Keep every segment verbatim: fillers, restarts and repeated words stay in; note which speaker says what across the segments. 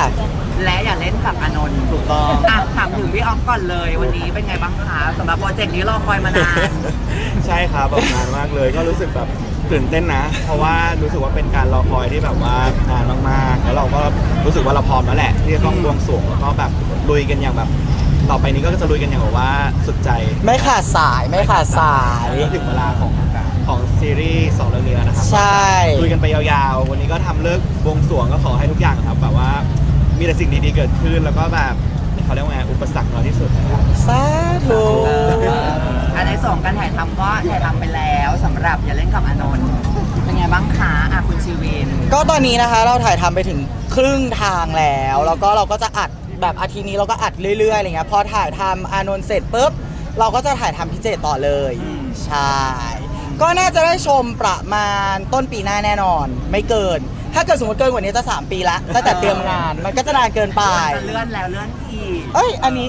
Speaker 1: และอย่าเล่นกับอานนท์ถูกต้องอ่ะถามถึงพี่ออฟก่อนเลยวันนี้เป็นไงบ้างคะสำหรับโปรเจกต์นี้รอคอยมานาน
Speaker 2: ใช่ครับแบบนานมากเลยก็รู้สึกแบบตื่นเต้นนะ เพราะว่ารู้สึกว่าเป็นการรอคอยที่แบบว่านานมากๆแล้วเราก็รู้สึกว่าเราพร้อมแล้วแหละที่จะต้องบวงสรวงแล้วก็แบบลุยกันอย่างแบบต่อไปนี้ก็จะลุยกันอย่างแบบว่าสุดใจ
Speaker 3: ไม่ขาดสายไม่ขาดสาย
Speaker 2: ถึงเวลาของของซีรีส์สองเรื่องนี้แล้วนะครับ
Speaker 3: ใช่
Speaker 2: ลุยกันไปยาวๆวันนี้ก็ทำเลิกบวงสรวงก็ขอให้ทุกอย่างครับแบบว่ามีแต่สิ่งดีๆเกิดขึ้นแล้วก็แบบเขาเรียกว่าไงอุปสรรคน้อยที่สุดนะครับ
Speaker 3: สาธุ
Speaker 1: อันในส่งการถ่ายทำก็ถ่ายทำไปแล้วสำหรับอย่าเล่นกับอานนท์เป็นไงบ้างคะอ่ะคุณชีวิน
Speaker 3: ก็ตอนนี้นะคะเราถ่ายทำไปถึงครึ่งทางแล้วแล้วก็เราก็จะอัดแบบอาทิตย์นี้เราก็อัดเรื่อยๆอะไรเงี้ยพอถ่ายทำอานนท์เสร็จปุ๊บเราก็จะถ่ายทำพิเศษต่อเลยใช่ก็น่าจะได้ชมประมาณต้นปีหน้าแน่นอนไม่เกินถ้าเกิดสมมติเกินกว่านี้จะสามปีละตั้งแต่เตรียมงานมันก็จะนานเกินไป
Speaker 1: เลื่อนแล้วเลื่อนอีก
Speaker 3: เอ้ยอันนี้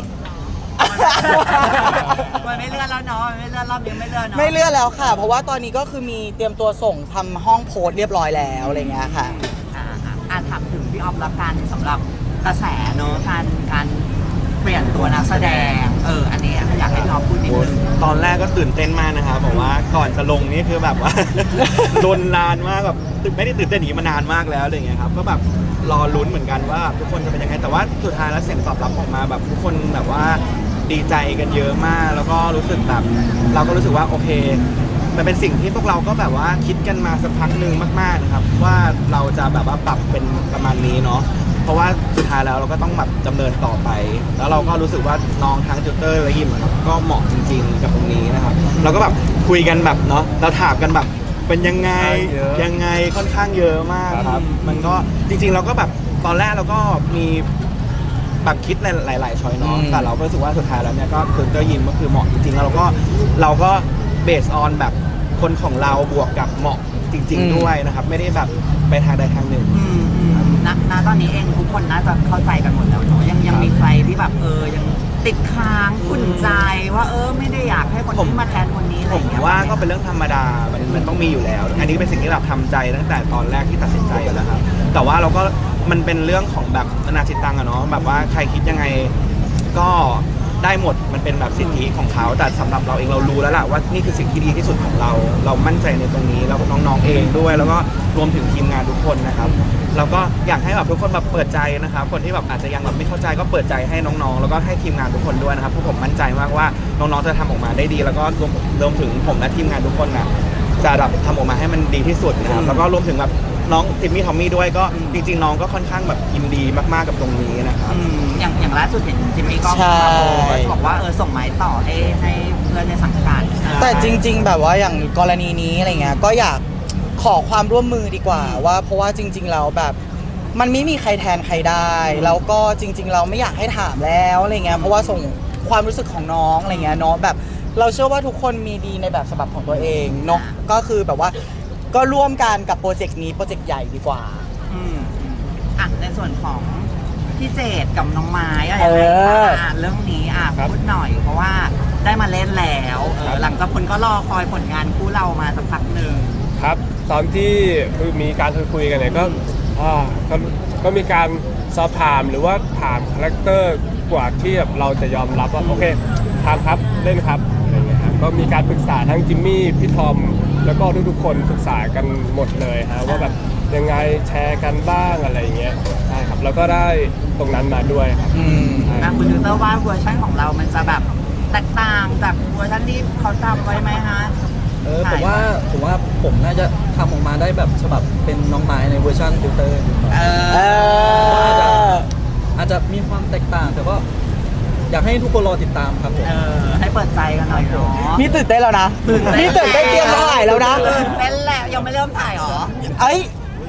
Speaker 1: มันไม่เลื่อนแล้วเนาะมันไม่เลื่อนรอบนี้ไม่เลื่อนเนาะ
Speaker 3: ไม่เลื่อนแล้วค่ะ เพราะว่าตอนนี้ก็คือมีเตรียมตัวส่งทำห้องโพสต์เรียบร้อยแล้วอะไรเงี้ยค่ะ
Speaker 1: อ่าอ่าถามถึงพี่ออฟละกันสำหรับกระแสเนาะการการเปลี่ยนตัวนักแสดงเอออันนี้อยากให้พี่ออฟพูดนิดนึง
Speaker 2: ตอนแรกก็ตื่นเต้นมากนะครับบอกว่าก่อนจะลงนี่คือแบบว่า โดนนานมากแบบไม่ได้ตื่นเต้นหนีมานานมากแล้วอะไรเงี้ยครับก็แบบรอลุ้นเหมือนกันว่าทุกคนจะเป็นยังไงแต่ว่าสุดท้ายแล้วเสียงตอบรับออกมาแบบทุกคนแบบว่าดีใจกันเยอะมากแล้วก็รู้สึกแบบเราก็รู้สึกว่าโอเคมันเป็นสิ่งที่พวกเราก็แบบว่าคิดกันมาสักพักหนึ่งมากๆนะครับว่าเราจะแบบว่าปรับเป็นประมาณนี้เนาะเพราะว่าสุดท้ายแล้วเราก็ต้องแบบดำเนินต่อไปแล้วเราก็รู้สึกว่าน้องทั้งจูเตอร์และยิมครับก็เหมาะจริงๆกับตรงนี้นะครับเราก็แบบคุยกันแบบเนาะเราถามกันแบบเป็นยังไงยังไงค่อนข้างเยอะมากครับมันก็จริงๆเราก็แบบตอนแรกเราก็มีแบบคิดในหลายๆช้อยเนาะแต่เราก็รู้สึกว่าสุดท้ายแล้วเนี่ยก็จูเตอร์ยิมก็คือเหมาะจริงๆแล้วเราก็เราก็เบสออนแบบคนของเราบวกกับเหมาะจริงๆด้วยนะครับไม่ได้แบบไปทางใดทางหนึ่ง
Speaker 1: ณณตอนนี้เองทุกคนน่าจะเข้าใจกันหมดแล้วเนาะยังยังมีใครที่แบบเออยังติดค้างขุ่นใจว่าเออไม่ได้อยากให้คนที่มาแทนคนนี้อะไรอย่างเงี้ย
Speaker 2: ผมว่าก็เป็นเรื่องธรรมดามันมันต้องมีอยู่แล้วอันนี้เป็นสิ่งที่เราทำใจตั้งแต่ตอนแรกที่ตัดสินใจอยู่แล้วครับแต่ว่าเราก็มันเป็นเรื่องของแบบอนาจิตตังอะเนาะแบบว่าใครคิดยังไงก็ได้หมดมันเป็นแบบสิทธิของเขาแต่สำหรับเราเองเรารู้แล้วแหละว่านี่คือสิ่งที่ดีที่สุดของเราเรามั่นใจในตรงนี้แล้วน้องๆเองด้วยแล้วก็รวมถึงทีมงานทุกคนนะครับเราก็อยากให้แบบทุกคนแบบเปิดใจนะครับคนที่แบบอาจจะยังแบบไม่เข้าใจก็เปิดใจให้น้องๆแล้วก็ให้ทีมงานทุกคนด้วยนะครับเพราะผมมั่นใจมากว่าน้องๆจะทำออกมาได้ดีแล้วก็รวมรวมถึงผมและทีมงานทุกคนนะจะแบบทำออกมาให้มันดีที่สุดนะครับแล้วก็รวมถึงแบบน้องทิมมี่ทอมมี่ด้วยก็จริงๆน้องก็ค่อนข้างแบบยินดีมากๆกับตรงนี้นะครับ
Speaker 1: อย่างอย่างล่าสุดเห็นจิมมี่ก็บอกว่าเออส่งไม้ต่อให้ให้เพื่อนในสังกัด
Speaker 3: แต่จริงๆแบบว่าอย่างกรณีนี้อะไรเงี้ยก็อยากขอความร่วมมือดีกว่าว่าเพราะว่าจริงๆแล้วแบบมันไม่มีใครแทนใครได้แล้วก็จริงๆเราไม่อยากให้ถามแล้วอะไรเงี้ยเพราะว่าส่งความรู้สึกของน้องอะไรเงี้ยเนาะแบบเราเชื่อว่าทุกคนมีดีในแบบฉบับของตัวเองเนาะก็คือแบบว่าก็ร่วมกันกับโปรเจกต์นี้โปรเจกต์ใหญ่ดีกว่า
Speaker 1: อืมอ่ะในส่วนของพี่เจดกับน้องไม้อะไรอย่างเงี้ยอ่ะเรื่องนี้อ่ะพูดหน่อยเพราะว่าได้มาเล่นแล้วเออหลังจากคนก็รอคอยผลงานคู่เรามาสักพักหนึ่ง
Speaker 4: ครับตอนที่คือมีการคุยกันเนี่ยก็อ่าก็ก็มีการสอบถามหรือว่าถามคาแรคเตอร์กว่าที่แบบเราจะยอมรับว่าโอเคทำครับเล่นครับอะไรเงี้ยครับก็มีการปรึกษาทั้งจิมมี่พี่ทอมแล้วก็ทุกๆคนปรึกษากันหมดเลยฮะว่าแบบยังไงแชร์กันบ้างอะไรเงี้ยใช่ครับแล้วก็ได้ตรงนั้นมาด้วยครับ
Speaker 1: อืมนะคุณดูเตอร์ว่าเวอร์ชันของเรามันจะแบบแตกต่างจากเวอร์ชันที่เขาทำไว้ไหมฮะ
Speaker 5: เออผมว่าผมว่าผมน่าจะทำออกมาได้แบบฉบับเป็นน้องไม้ในเวอร์ชันฟิลเตอร์
Speaker 3: เออ
Speaker 5: อาจจะมีความแตกต่างแต่ก็อยากให้ทุกคนรอติดตามครับผม
Speaker 1: เออให้เปิดใจกันหน่อยเนาะ
Speaker 3: นี่ตื่นเต้นแล้วนะนี่ตื่นเต้นเตรียมถ่ายแล้วนะ
Speaker 1: ตื่นเต้นแล้วยังไม่เริ่มถ่ายหรอ
Speaker 3: ไอ้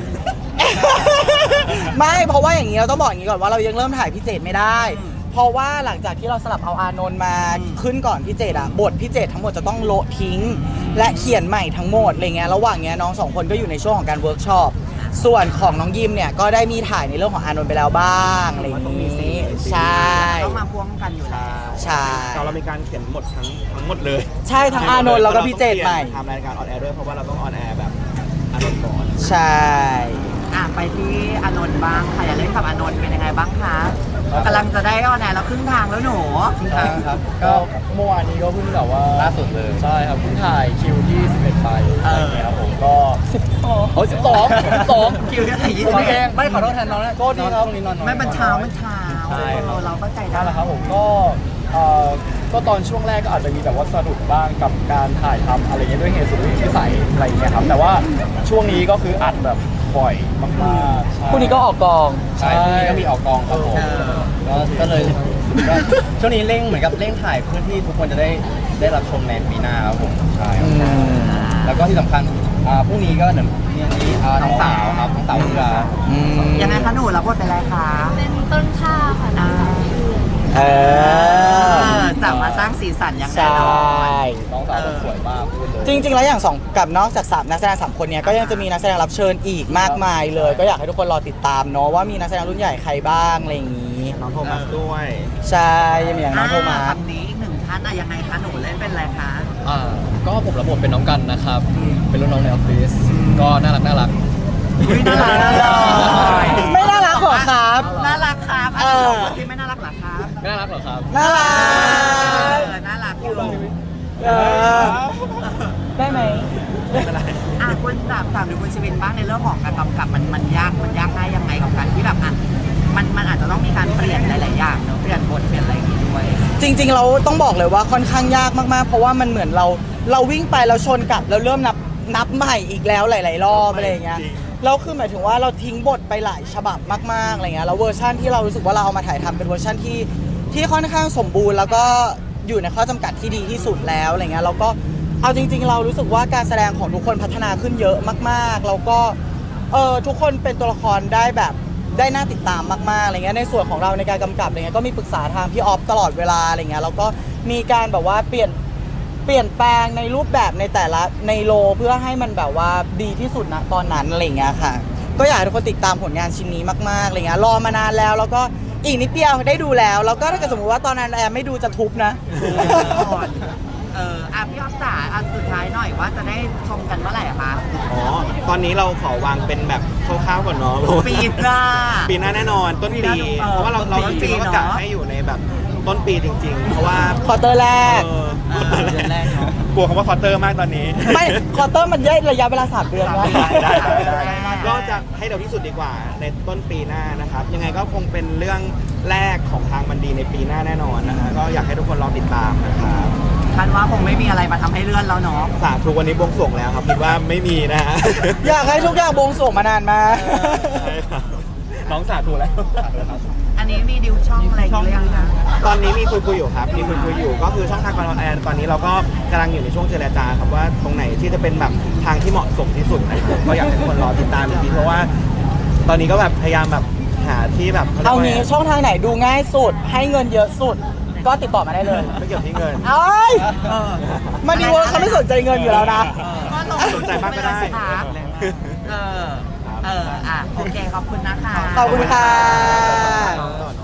Speaker 3: ไม่เพราะว่าอย่างนี้เราต้องบอกอย่างนี้ก่อนว่าเรายังเริ่มถ่ายพี่เจดไม่ได้เพราะว่าหลังจากที่เราสลับเอาอานนท์มาขึ้นก่อนพี่เจดอะบทพี่เจดทั้งหมดจะต้องโละทิ้งและเขียนใหม่ทั้งหมดอะไรเงี้ยระหว่างเนี้ยน้องสองคนก็อยู่ในช่วงของการเวิร์กช็อปส่วนของน้องยิมเนี่ยก็ได้มีถ่ายในเรื่องของอานนท์ไปแล้วบ้างอะไรอย่างนี้ใช่
Speaker 1: ต้องมาพ่วงกันอยู่แล้ว
Speaker 3: ใช่
Speaker 2: เรามีการเขียนหมดทั้งทั้งหมดเลย
Speaker 3: ใช่ทั้งอานนท์แล้วก็พี่เจดใหม่
Speaker 2: ทำรายการออนแอร์ด้วยเพราะว่าเราต้องออนแอร์แบบอานนท์ก่อน
Speaker 3: ใช่
Speaker 1: อ่ะไปที่อานนท์บ้างค่ะอย่าเล่นกับอานนท์เป็นยังไงบ้างจะได้ออนแอร์แล้วครึ่งทางแล้วหนู
Speaker 6: ใช่ครับ ก็เมื่อวานนี้ก็เพิ่งแบบว่าล่าสุดเลย ใช่ครับเพิ่งถ่ายคิวที่สิบเอ็ดไปอะไรอย่างเงี้ยครับผมก็สิบสองโอ้สิบสองสิบสอง
Speaker 1: คิวที่ไหนยี่
Speaker 6: ผ
Speaker 1: สิ
Speaker 6: ม
Speaker 1: บ
Speaker 6: เองไม่ขอโทษแทนน้องนะก็ดีครับนี้นอนน้อย
Speaker 1: ไม่มันเช้ามันเช้า
Speaker 6: ใช่ครับ
Speaker 1: เราเข้าใจได้
Speaker 6: นั่นแหละครับผมก็เอ่อก็ตอนช่วงแรกก็อาจจะมีแบบว่าสะดุดบ้างกับการถ่ายทำอะไรเงี้ยด้วยเหตุสุดวิสัยอะไรอย่างเงี้ยครับแต่ว่าช่วงนี้ก็คืออัดแบบบ่อยมากๆใช่
Speaker 3: คู่นี้ก็ออกกอง
Speaker 6: ใช่พรุ่งนี้ก็มีออกกองครับผม
Speaker 1: เออ
Speaker 6: ก็ก็เลยก็ช่วงนี้เร่งเหมือนกับเร่งถ่ายเพื่อที่ทุกคนจะได้ได้รับชมในปีหน้าครับผมใช่ครับแล้วก็ที่สำคัญอ่าพรุ่งนี้ก็หนึ่งเนี่ยนี้อ่าน้องสาวครับน้องสาวเรือ
Speaker 3: อืม
Speaker 1: ยังไงคะหนูรับบทเป็นอะไรคะ
Speaker 7: เป็นต้นข้าวค่ะน้องสาวชื่อ
Speaker 3: เอ
Speaker 1: เอ
Speaker 3: อ
Speaker 1: อจะมาสร้างสีสันอย่าง
Speaker 3: ใช
Speaker 1: แน่นอน
Speaker 3: ่
Speaker 6: น้องสาวก็สวยมากพูดเลย
Speaker 3: จริงๆ แล้วอย่างสองกับนอกจากสามนักแสดงสามคนเนี้ยก็ยังจะมีนักแสดงรับเชิญอีกมากมายเลย ก็อยากให้ทุกคนรอติดตามเนาะว่ามีนักแสดงรุ่นใหญ่ใครบ้างอะไรอย่างนี้
Speaker 2: น้องโทมัสด้วย
Speaker 3: ใช่ยังมีอย่างน้องโทมั
Speaker 1: อ่า
Speaker 3: ส
Speaker 1: คำนี้อีกหนึ่งท่านอะยังไงคะหนูเล่นเป็นอะไรคะ
Speaker 6: อ่าก็ผมรับบทเป็นน้องกันนะครับ เป็นรุ่นน้องในออฟฟิศก็น่ารักน่ารัก
Speaker 1: อุ๊ยน่ารักน่ารัก
Speaker 3: ไม่น่ารักหรอครับ
Speaker 1: น่ารักครับ
Speaker 3: เอ
Speaker 1: เอ
Speaker 3: อ
Speaker 1: อที่ไม่น่ารักเหรอครับ
Speaker 6: ไม่น่ารักหรอครับ
Speaker 3: น่ารั
Speaker 1: เอก อน่ารักอยู่
Speaker 3: เออได้ไหม
Speaker 1: อ่ะคุณถามถามดูคุณชวินบ้างในเรื่องของการกำกับมันมันยากมันยากง่ายยังไงกับการที่แบบอ่ะมันมันอาจจะต้องมีการเปลี่ยนหลายๆอย่างเนอะเปลี่ยนบทเปลี่ยนอะไรอย่างงี้ด้วย
Speaker 3: จริงๆ เราต้องบอกเลยว่าค่อนข้างยากมากๆ เพราะว่ามันเหมือนเราเราวิ่งไปเราชนกลับแล้วเริ่มนับนับใหม่อีกแล้วหลายๆรอบอะไรอย่างเงี้ย
Speaker 2: จริง
Speaker 3: แล้วคือหมายถึงว่าเราทิ้งบทไปหลายฉบับมากๆอะไรเงี้ยแล้วเวอร์ชันที่เรารู้สึกว่าเราเอามาถ่ายทำเป็นเวอร์ชันที่ที่ค่อนข้างสมบูรณ์แล้วก็อยู่ในข้อจำกัดที่ดีที่สุดแล้วอะไรเงี้ยแล้วก็เอาจริง ๆ เรารู้สึกว่าการแสดงของทุกคนพัฒนาขึ้นเยอะมากๆแล้วก็เออทุกคนเป็นตัวละครได้แบบได้น่าติดตามมากๆอะไรเงี้ยในส่วนของเราในการกำกับอะไรเงี้ยก็มีปรึกษาทางพี่ออฟตลอดเวลาอะไรเงี้ยแล้วก็มีการแบบว่าเปลี่ยนเปลี่ยนแปลงในรูปแบบในแต่ละในโลเพื่อให้มันแบบว่าดีที่สุดนะตอนนั้นอะไรเงี้ยค่ะ ก็อยากให้ทุกคนติดตามผลงานชิ้นนี้มากๆอะไรเงี้ยรอมานานแล้วแล้วก็อีกนิดเดียวได้ดูแล้วแล้วก็ถ้าเกิดสมมติว่าตอนนั้นแอมไม่ดูจะทุบนะ
Speaker 1: เอออ่ะพี่อ๊อฟจ๋าอันสุดท้ายหน่อยว่าจะได้ชมกันเมื่อไหร่อะคะ
Speaker 2: อ๋อ ตอนนี้เราขอวางเป็นแบบคร่าวๆก่อนเนาะ
Speaker 1: ปีหน้า
Speaker 2: ปีหน้าแน่นอนต้น
Speaker 1: ปี
Speaker 2: ปี
Speaker 1: หน้า
Speaker 2: เพราะว่าเราเรา
Speaker 1: ต้
Speaker 2: จ
Speaker 1: นปี
Speaker 2: ริงๆเราก็กะ
Speaker 1: เนอะ
Speaker 2: ให้อยู่ในแบบต้นปีจริง ๆ เพราะว่า
Speaker 3: ควอเตอร์แรก
Speaker 2: เออ
Speaker 1: อ่าเดือนแรกเนอะ
Speaker 2: กลัวคำว่าควอเตอร์มากตอนนี้
Speaker 3: ไม่ควอเตอร์มันย่อยระยะเวลาสามเดือนนะ
Speaker 2: ได้ได้ได้
Speaker 1: ได้
Speaker 2: ก็จะให้เร็วที่สุดดีกว่าในต้นปีหน้านะครับ ยังไงก็คงเป็นเรื่องแรกของทางมันดีในปีหน้าแน่นอนนะฮะก็อยากให้ทุกคนรอติดตามนะครับ
Speaker 1: คันว่าคงไม่มีอะไรมาทำให้เลื่อนแล้วเนาะ
Speaker 2: สาธุวันนี้บวงสรวงแล้วครับคิดว่าไม่มีนะฮะ
Speaker 3: อยากให้ทุกอย่างบวงสรวงมานานมาก
Speaker 2: ใช่ครับน้องสาธุแล้ว
Speaker 1: อันนี้มีดิวช่องอะไรอยู่หรือยังคะ
Speaker 2: ตอนนี้มีคุยคุยๆอยู่ครับ มีคุยคุยๆอยู่ ก็คือช่องทางการออนแอร์ตอนนี้เราก็กำลังอยู่ในช่วงเจรจาครับว่าตรงไหนที่จะเป็นแบบทางที่เหมาะสมที่สุดนะครับก็อยากให้ทุกคนรอติดตามอีกทีเพราะว่า ตอนนี้ก็แบบพยายามแบบหาที่แบบขรียก
Speaker 3: เอา
Speaker 2: ว่
Speaker 3: งี้ช่องทางไหนดูง่ายสุด ให้เงินเยอะสุด ก็ติดต่อมาได้เลย
Speaker 2: ไม่เกี่ยวที่เงิน
Speaker 3: เอ้ยมันดีเวอร์เขาไม่สนใจเงินอยู่แล้วนะ
Speaker 1: ก็ลง
Speaker 2: สนใจมากก็ได้
Speaker 1: สิคะเออ เออ อ่ะ โอเค ขอบคุณนะคะ
Speaker 3: ขอบคุณค่ะ
Speaker 2: ต่อเนอะ